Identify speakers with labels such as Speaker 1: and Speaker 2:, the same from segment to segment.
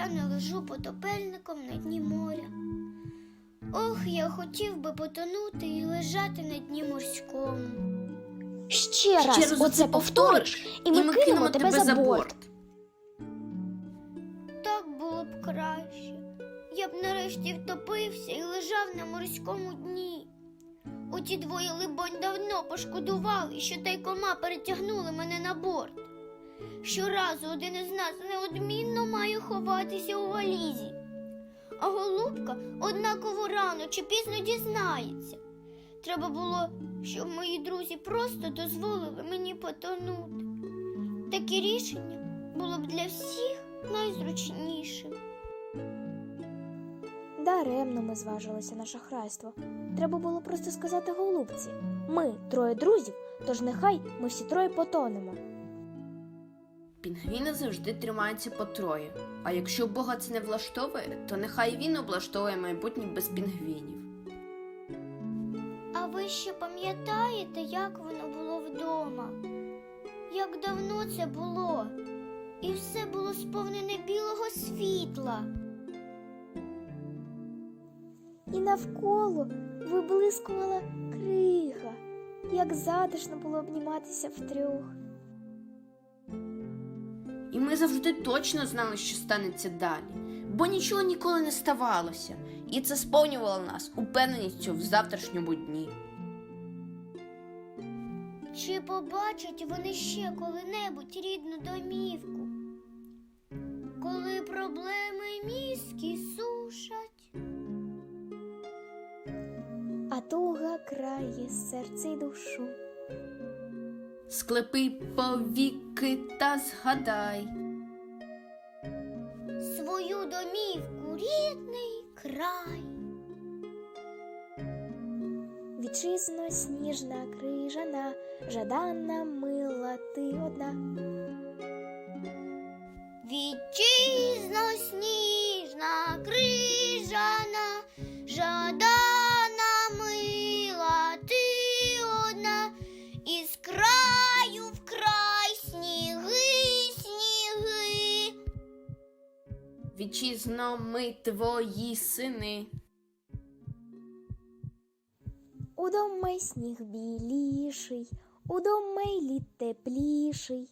Speaker 1: я не лежу потопельником на дні моря. Ох, я хотів би потонути і лежати на дні морському.
Speaker 2: Ще раз оце повториш, і ми кинемо тебе за борт.
Speaker 1: Так було б краще. Я б нарешті втопився і лежав на морському дні. Оті двоє, либонь, давно пошкодували, що тайкома перетягнули мене на борт. Щоразу один із нас неодмінно має ховатися у валізі. А голубка однаково рано чи пізно дізнається. Треба було, щоб мої друзі просто дозволили мені потонути. Таке рішення було б для всіх найзручнішим.
Speaker 2: Даремно ми зважилися на шахрайство. Треба було просто сказати голубці: ми троє друзів, тож нехай ми всі троє потонемо.
Speaker 3: Пінгвіни завжди тримаються по троє. А якщо Бога це не влаштовує, то нехай він облаштовує майбутнє без пінгвінів.
Speaker 1: А ви ще пам'ятаєте, як воно було вдома? Як давно це було? І все було сповнене білого світла.
Speaker 2: І навколо виблискувала крига. Як затишно було обніматися втрьох.
Speaker 3: І ми завжди точно знали, що станеться далі. Бо нічого ніколи не ставалося. І це сповнювало нас упевненістю в завтрашньому дні.
Speaker 1: Чи побачать вони ще коли-небудь рідну домівку? Коли проблеми мізки сушать.
Speaker 2: А туга крає серце й душу.
Speaker 3: Склепи повіки та згадай
Speaker 1: Свою домівку, рідний край.
Speaker 2: Вітчизно сніжна, крижана, жаданна, мила ти одна.
Speaker 1: Вітчизно сніжна, крижана, жадана, мила ти одна, із краю в край сніги, сніги.
Speaker 3: Вітчизно, ми твої сини.
Speaker 2: Удома й сніг біліший, удома й лід тепліший.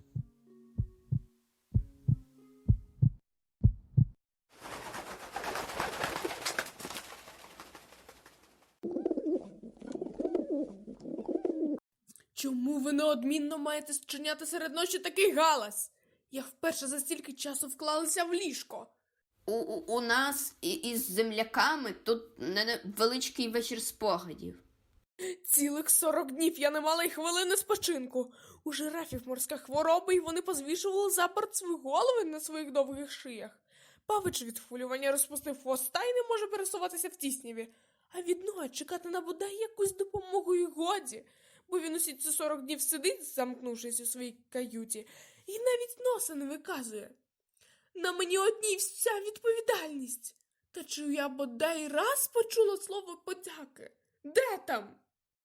Speaker 4: Чому ви неодмінно маєте зчиняти серед ночі такий галас? Я вперше за стільки часу вклалася в ліжко.
Speaker 3: У нас із земляками тут невеличкий вечір спогадів.
Speaker 4: Цілих 40 днів я не мала й хвилини спочинку. У жирафів морська хвороба, і вони позвішували за борт свої голови на своїх довгих шиях. Павич від хвилювання розпустив хвоста і не може пересуватися в тісняві. А від Ноа чекати на бодай якусь допомогу й годі, бо він усі ці 40 днів сидить, замкнувшись у своїй каюті, і навіть носа не виказує. На мені одній вся відповідальність. Та чи я бодай раз почула слово подяки? Де там?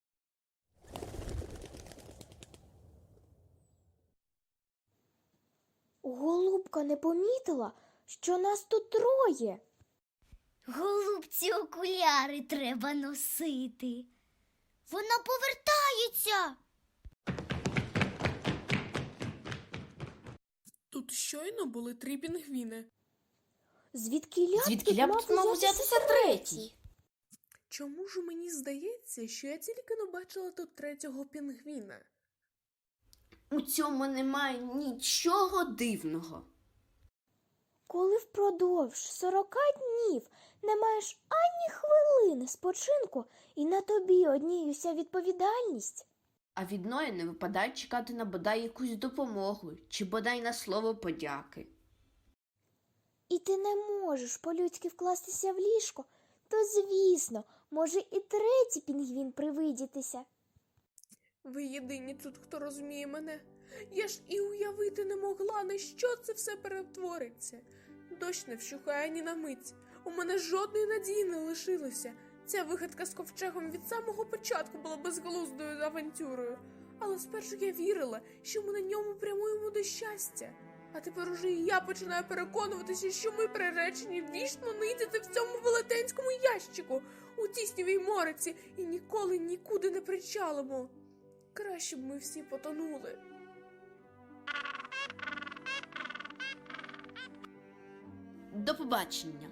Speaker 2: Голубка не помітила, що нас тут троє.
Speaker 1: Голубці окуляри треба носити. Вона повертається.
Speaker 4: Тут щойно були 3 пінгвіни.
Speaker 2: Звідки мав взятися третій?
Speaker 4: Чому ж мені здається, що я тільки не бачила тут 3-го пінгвіна?
Speaker 3: У цьому немає нічого дивного.
Speaker 2: Коли впродовж 40 днів не маєш ані хвилини спочинку, і на тобі одній уся відповідальність.
Speaker 3: А від Ноя не випадає чекати на бодай якусь допомогу, чи бодай на слово подяки.
Speaker 2: І ти не можеш по-людськи вкластися в ліжко, то, звісно, може і третій пінгвін привидітися.
Speaker 4: Ви єдині тут, хто розуміє мене. Я ж і уявити не могла, на що це все перетвориться. Дощ не вщухає ні на мить. У мене жодної надії не лишилося. Ця вигадка з ковчегом від самого початку була безглуздою авантюрою. Але спершу я вірила, що ми на ньому прямуємо до щастя. А тепер уже і я починаю переконуватися, що ми приречені вічно нидіти в цьому велетенському ящику, у тіснівій мориці, і ніколи нікуди не причалимо. Краще б ми всі потонули.
Speaker 3: До побачення.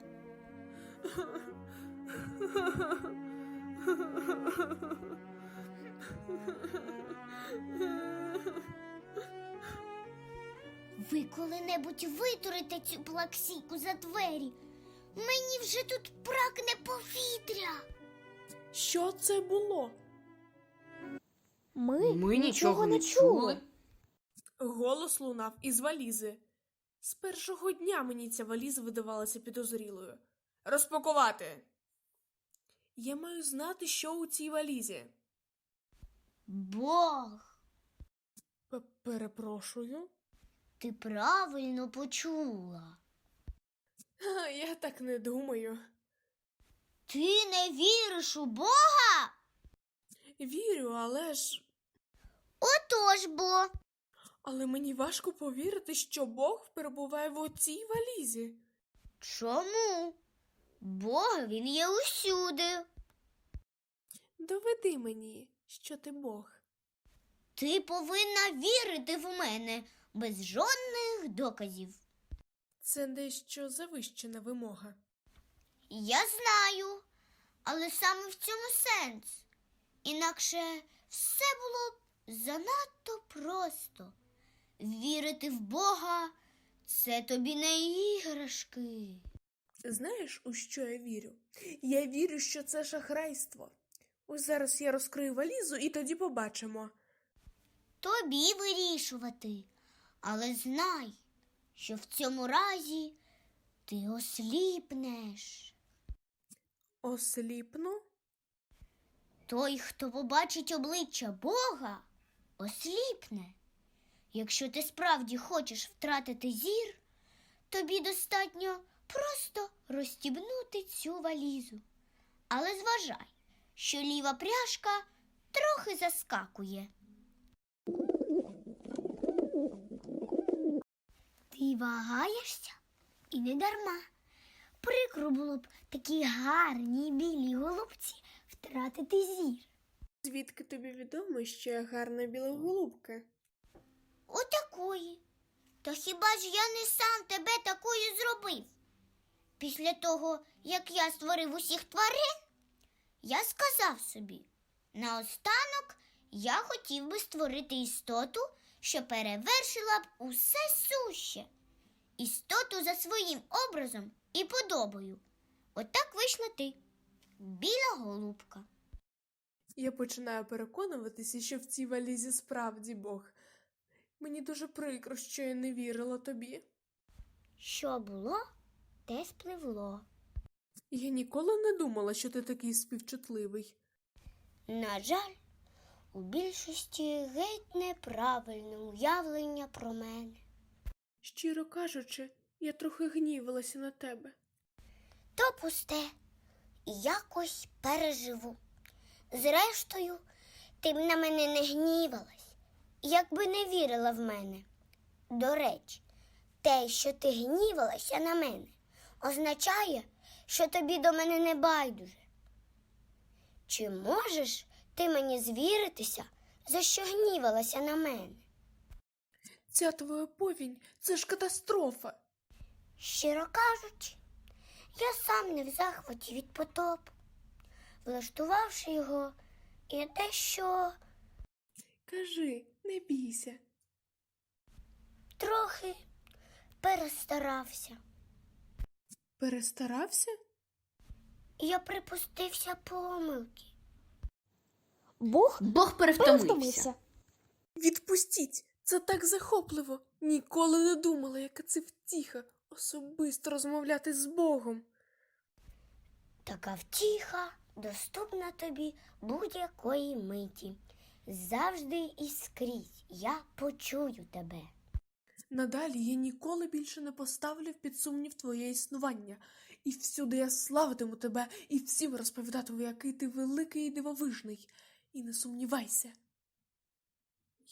Speaker 1: Ви коли-небудь витурите цю плаксійку за двері? Мені вже тут прагне повітря.
Speaker 4: Що це було?
Speaker 2: Ми нічого не чули.
Speaker 4: Голос лунав із валізи. З першого дня мені ця валіза видавалася підозрілою. Розпакувати. Я маю знати, що у цій валізі.
Speaker 1: Бог,
Speaker 4: Перепрошую.
Speaker 1: ти правильно почула.
Speaker 4: Я так не думаю.
Speaker 1: Ти не віриш у Бога?
Speaker 4: Вірю, але ж...
Speaker 1: Отож бо.
Speaker 4: Але мені важко повірити, що Бог перебуває в оцій валізі.
Speaker 1: Чому? Бог, він є усюди.
Speaker 4: Доведи мені, що ти Бог.
Speaker 1: Ти повинна вірити в мене без жодних доказів.
Speaker 4: Це дещо завищена вимога.
Speaker 1: Я знаю, але саме в цьому сенс. Інакше все було б занадто просто. Вірити в Бога – це тобі не іграшки.
Speaker 4: Знаєш, у що я вірю? Я вірю, що це шахрайство. Ось зараз я розкрию валізу і тоді побачимо.
Speaker 1: Тобі вирішувати. Але знай, що в цьому разі ти осліпнеш.
Speaker 4: Осліпну?
Speaker 1: Той, хто побачить обличчя Бога, осліпне. Якщо ти справді хочеш втратити зір, тобі достатньо просто розстібнути цю валізу. Але зважай, що ліва пряжка трохи заскакує. Ти вагаєшся? І не дарма. Прикро було б такій гарній білій голубці втратити зір.
Speaker 4: Звідки тобі відомо, що я гарна біла голубка?
Speaker 1: Отакої. Та хіба ж я не сам тебе такою зробив? Після того, як я створив усіх тварин, я сказав собі, наостанок я хотів би створити істоту, що перевершила б усе суще. Істоту за своїм образом і подобою. Отак вийшла ти, біла голубка.
Speaker 4: Я починаю переконуватися, що в цій валізі справді Бог. Мені дуже прикро, що я не вірила тобі.
Speaker 1: Що було, те спливло.
Speaker 4: Я ніколи не думала, що ти такий співчутливий.
Speaker 1: На жаль, у більшості геть неправильне уявлення про мене.
Speaker 4: Щиро кажучи, я трохи гнівалася на тебе.
Speaker 1: То пусте, якось переживу. Зрештою, ти б на мене не гнівалась, якби не вірила в мене. До речі, те, що ти гнівалася на мене, означає, що тобі до мене не байдуже. Чи можеш ти мені звіритися, за що гнівалася на мене?
Speaker 4: Ця твоя повінь – це ж катастрофа.
Speaker 1: Щиро кажучи, я сам не в захваті від потопу. Влаштувавши його, я дещо
Speaker 4: Кажи, не бійся.
Speaker 1: трохи перестарався.
Speaker 4: Перестарався?
Speaker 2: Я
Speaker 1: Припустився помилки.
Speaker 3: Бог перевтомився.
Speaker 2: перевтомився.
Speaker 4: Відпустіть! Це так захопливо. Ніколи не думала, яка це втіха особисто розмовляти з Богом.
Speaker 1: Така втіха доступна тобі будь-якої миті. Завжди і скрізь я почую тебе.
Speaker 4: Надалі я ніколи більше не поставлю під сумнів твоє існування. І всюди я славитиму тебе, і всім розповідатиму, який ти великий і дивовижний. І не сумнівайся. Я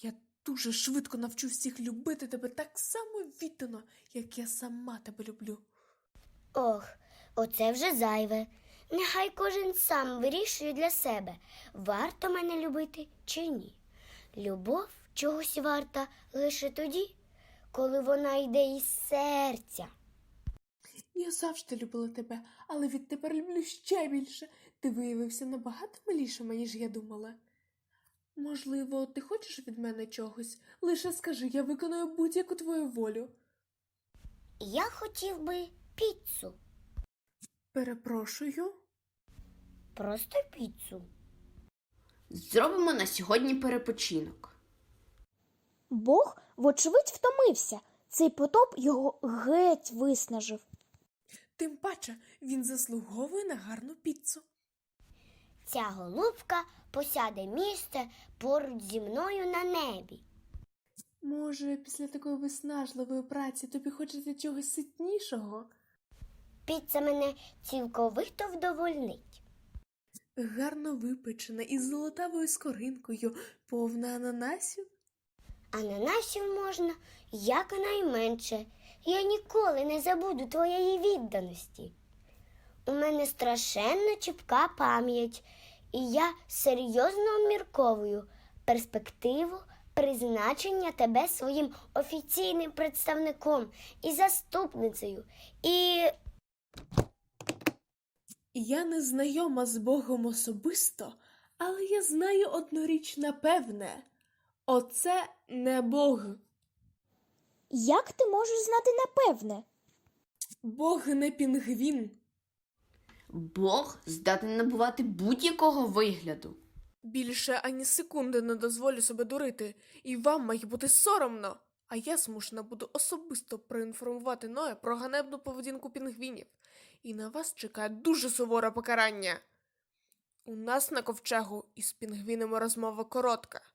Speaker 4: дуже швидко навчу всіх любити тебе так само віддано, як я сама тебе люблю.
Speaker 1: Ох, оце вже зайве. Нехай кожен сам вирішує для себе, варто мене любити чи ні. Любов чогось варта лише тоді, коли вона йде із серця.
Speaker 4: Я завжди любила тебе, але відтепер люблю ще більше. Ти виявився набагато милішим, ніж я думала. Можливо, ти хочеш від мене чогось? Лише скажи, я виконую будь-яку твою волю.
Speaker 1: Я хотів би піцу.
Speaker 4: Перепрошую.
Speaker 1: Просто піцу.
Speaker 3: Зробимо на сьогодні перепочинок.
Speaker 2: Бог, вочевидь, втомився. Цей потоп його геть виснажив.
Speaker 4: Тим паче, він заслуговує на гарну піцу.
Speaker 1: Ця голубка посяде місце поруч зі мною на небі.
Speaker 4: Може, після такої виснажливої праці тобі хочеться чогось ситнішого?
Speaker 1: Піца мене цілковито вдовольнить.
Speaker 4: Гарно випечена із золотавою скоринкою, повна ананасів.
Speaker 1: Ананасів можна якнайменше. Я ніколи не забуду твоєї відданості. У мене страшенно чіпка пам'ять, і я серйозно обмірковую перспективу призначення тебе своїм офіційним представником і заступницею. І
Speaker 4: Я не знайома з Богом особисто, але я знаю одну річ напевне. Оце не Бог.
Speaker 2: Як ти можеш знати напевне?
Speaker 4: Бог не пінгвін.
Speaker 3: Бог здатний набувати будь-якого вигляду.
Speaker 4: Більше ані секунди не дозволю себе дурити, і вам має бути соромно. А я змушена буду особисто проінформувати Ноя про ганебну поведінку пінгвінів. І на вас чекає дуже суворе покарання. У нас на ковчегу із пінгвінами розмова коротка.